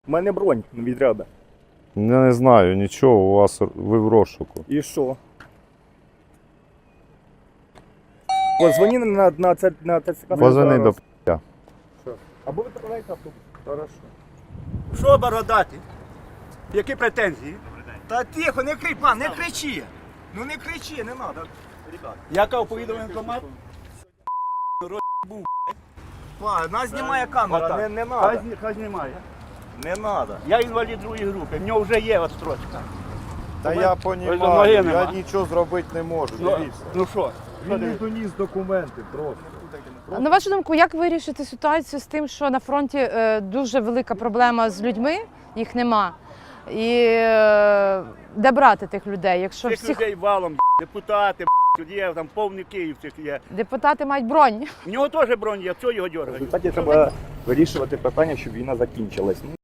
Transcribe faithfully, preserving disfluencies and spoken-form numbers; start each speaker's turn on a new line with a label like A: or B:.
A: У мене бронь на відряда.
B: Я не знаю, нічого, у вас ви в розшуку.
A: І що? Позвони на, на, це- на ТЦК.
B: Позвони до п***я.
A: Або відправляйте автобус. Хорошо.
C: Що бородати? Які претензії? Та тихо, не кричи, пан, не кричи. Ну не кричи, не треба. Яка повідомлення комат? Пан, нас знімає камера.
A: Не,
C: так.
A: не
C: Хай,
A: надо.
C: зні- хай знімає.
A: Не надо.
C: Я інвалід другої групи, в нього вже є отстрочка.
B: Та
C: Ой,
B: я
C: ой,
B: понімаю,
C: ноги
B: я
C: нема.
B: нічого зробити не можу,
C: Ну,
B: дивіться.
C: ну що? Що
A: Він не
C: дивись?
A: доніс документи просто.
D: На вашу думку, як вирішити ситуацію з тим, що на фронті е, дуже велика проблема з людьми, їх нема. І е, де брати тих людей? Якщо
C: Цих
D: всіх
C: людей валом, депутати, тут є, там повний Київ цих є.
D: депутати мають бронь.
C: В нього теж бронь є, що його
A: В
C: дергають?
A: результаті треба вирішувати питання, щоб війна закінчилась. Ну,